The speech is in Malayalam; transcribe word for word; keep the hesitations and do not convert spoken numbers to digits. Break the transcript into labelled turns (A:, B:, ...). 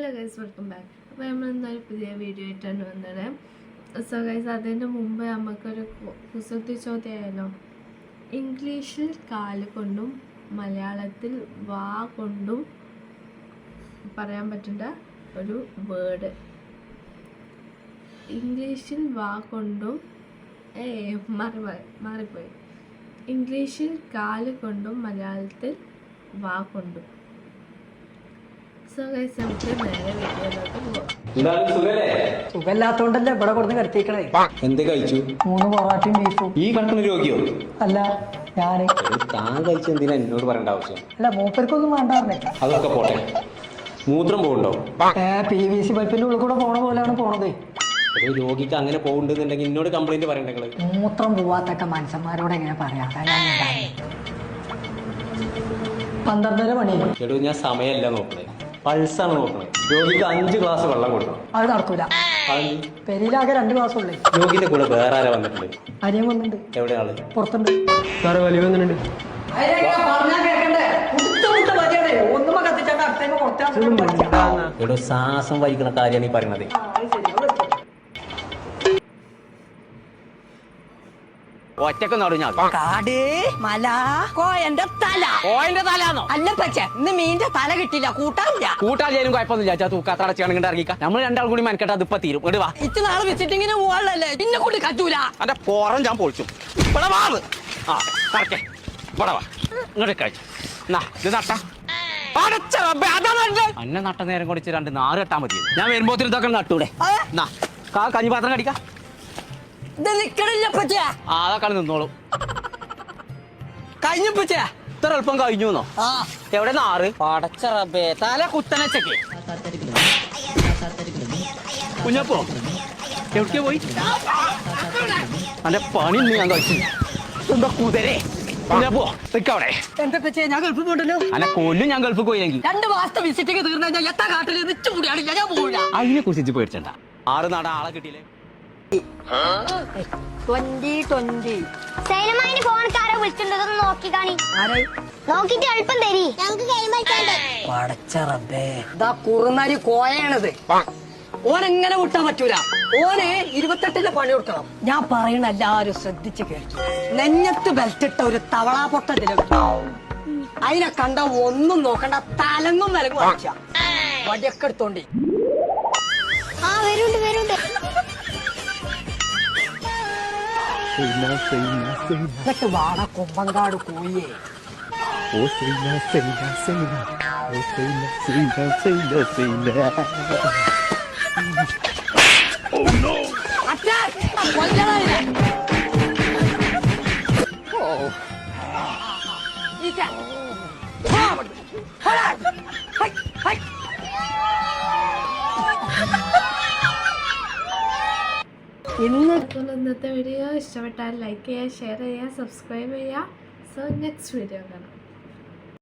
A: Hello guys, welcome back. അപ്പോൾ നമ്മൾ ഇന്നൊരു പുതിയ വീഡിയോ ആയിട്ടാണ് വന്നത്. സോ ഗൈസ്, അതിൻ്റെ മുമ്പ് നമുക്കൊരു കുസൃതി ചോദ്യമായാലോ. ഇംഗ്ലീഷിൽ കാല് കൊണ്ടും മലയാളത്തിൽ വാ കൊണ്ടും പറയാൻ പറ്റുന്ന ഒരു വേർഡ്. ഇംഗ്ലീഷിൽ വാ കൊണ്ടും ഏ മാറി മാറിപ്പോയി ഇംഗ്ലീഷിൽ കാല് കൊണ്ടും മലയാളത്തിൽ വാ കൊണ്ടും.
B: സുഖമില്ലാത്തോണ്ടല്ലേ ഇവിടെ കൊടുത്ത് കിടത്തിക്കണേ.
C: എന്ത് കഴിച്ചു?
B: മൂന്ന് പൊറാട്ടയും ബീഫും.
C: ഈ കണക്കിന് രോഗിയോ?
B: അല്ല, ഞാന്
C: താൻ കഴിച്ച എന്തിനാ എന്നോട് പറയേണ്ട ആവശ്യം?
B: അല്ല, മൂപ്പർക്കൊന്നും വേണ്ടായിരുന്നേ.
C: അതൊക്കെ പോട്ടെ, മൂത്രം പോകണ്ടോ?
B: ഏ പി വി സി പൈപ്പിന്റെ ഉള്ളിൽ കൂടെ പോണ പോലെയാണ് പോണത്.
C: രോഗിക്ക് അങ്ങനെ പോകുന്നുണ്ടെങ്കിൽ എന്നോട് കംപ്ലൈന്റ് പറയണ്ടേ?
B: മൂത്രം പോവാത്തൊക്കെ മനുഷ്യന്മാരോട് എങ്ങനെ പറയാ? പന്ത്രണ്ടര മണി.
C: എടോ, ഞാൻ സമയമല്ല നോക്കണേ, പൾസാണ് നോക്കണേ. രോഗിക്ക് അഞ്ച് ഗ്ലാസ് വെള്ളം കൊടുക്കണം.
B: അത് നടക്കൂല. പെരിയിലാകെ രണ്ട് ഗ്ലാസ് ഉള്ളേ.
C: രോഗിന്റെ കൂടെ വേറെ ആരാ വന്നിട്ടുണ്ട്?
B: അനിയൻ വന്നിട്ടുണ്ട്.
C: എവിടെയാണ്?
B: പുറത്തുണ്ട്.
C: സാറ് വലിയ വന്നിട്ടുണ്ട്. എടോ, ശ്വാസം വലിക്കുന്ന കാര്യമാണ് ഈ പറയണത്. ഒറ്റക്ക് നടുഞ്ഞാൽ
D: കാട് മല കോയന്റെ തല
C: കോയന്റെ തലാന്നോ?
D: അല്ല പച്ച, ഇന്ന് മീന്റെ തല കിട്ടില്ല, കൂട്ടാനില്ല.
C: കൂട്ടാലും കുഴപ്പമൊന്നുമില്ല. തൂക്കാത്തടച്ചാണെങ്കിൽ ഇറങ്ങിക്കാം. നമ്മൾ രണ്ടാൾ കൂടി മനക്കെട്ട് അതിപ്പോ തീരും. ഇങ്ങോട്ട് വാ.
D: ഇച്ച് നാളെ വിസിറ്റിങ്ങിന് പോവാളല്ലേ, പിന്നെ കൂടി കറ്റൂല.
C: അന്റെ പോറം ഞാൻ പൊളിച്ചു. ഇവിടെ വാ. ആ കറക്കേ, ഇവിടെ വാ. ഇങ്ങോട്ട് കഴിച്ചു. ഇത് നട്ട അന്നെ നട്ട നേരം കുടിച്ച് രണ്ട് നാറ് കെട്ടാൻ മതി. ഞാൻ വരുമ്പോത്തിന് ഇതൊക്കെ നട്ടൂടെ? കഞ്ഞിപാത്രം കടിക്കാം.
D: ഇത് നിക്കണില്ല പച്ച.
C: ആ അതൊക്കെ നിന്നോളൂ. കഴിഞ്ഞു പച്ച. ഇത്ര എളുപ്പം കഴിഞ്ഞു എന്നോ? എവിടെ നാറ്? പടച്ച റബ്ബേ, തല കുത്തനച്ചക്ക്. കുഞ്ഞപ്പോ എവിടേക്ക് പോയി? അന്റെ പണി ഇന്ന് ഞാൻ കഴിച്ചു. എന്താ കുതിരേ? കുഞ്ഞപ്പോ നിക്കവിടെ.
D: എന്താ പച്ച, ഞാൻ ഗൾഫിൽ പോകണ്ടല്ലോ.
C: അല്ല കൊല്ലും ഞാൻ ഗൾഫിൽ പോയെങ്കിൽ.
D: രണ്ട് മാസത്തെ വിസിറ്റിങ് തീർന്നു കഴിഞ്ഞാൽ എത്ര കാട്ടിൽ നിച്ചു കൂടിയാണില്ല, ഞാൻ പോവില്ല.
C: അതിനെ കുറിച്ച് പേടിച്ചണ്ട. ആറ് നാട ആളെ കിട്ടിയില്ലേ?
D: ട്വന്റി ട്വന്റി
E: സൈനമായിന് ഫോൺക്കാരെ വിളിച്ചിട്ടുണ്ടെന്ന് നോക്കി കാണി. നോക്കിട്ട് എളുപ്പം തരി, ഞങ്ങൾക്ക് ഗെയിം കളിക്കാണ്ട്.
D: പടച്ച റബ്ബേ, ഇതാ കുറുനരി കോയാണിത്. ഓനെങ്ങനെ വിട്ടാൻ പറ്റൂല. ഓന് ഇരുപത്തെട്ടിലെ പണി കൊടുക്കണം. ഞാൻ പറയണ എല്ലാരും ശ്രദ്ധിച്ച് കേൾക്കും. നെഞ്ഞത്ത് ബെൽറ്റിട്ട ഒരു തവളാ പൊട്ട അതിനെ കണ്ട ഒന്നും നോക്കണ്ട, തലങ്ങും വിലങ്ങും അടിച്ച വടിയൊക്കെ എടുത്തോണ്ടി.
E: ആ വരുണ്ട് വരുണ്ട്.
D: എന്നിട്ട് വാട കൊമ്പങ്കാട് കോയേ.
A: ഇന്നത്തെ വീഡിയോ ഇഷ്ടപ്പെട്ടാൽ ലൈക്ക് ചെയ്യുക, ഷെയർ ചെയ്യുക, സബ്സ്ക്രൈബ് ചെയ്യുക. സോ നെക്സ്റ്റ് വീഡിയോ കാണാം.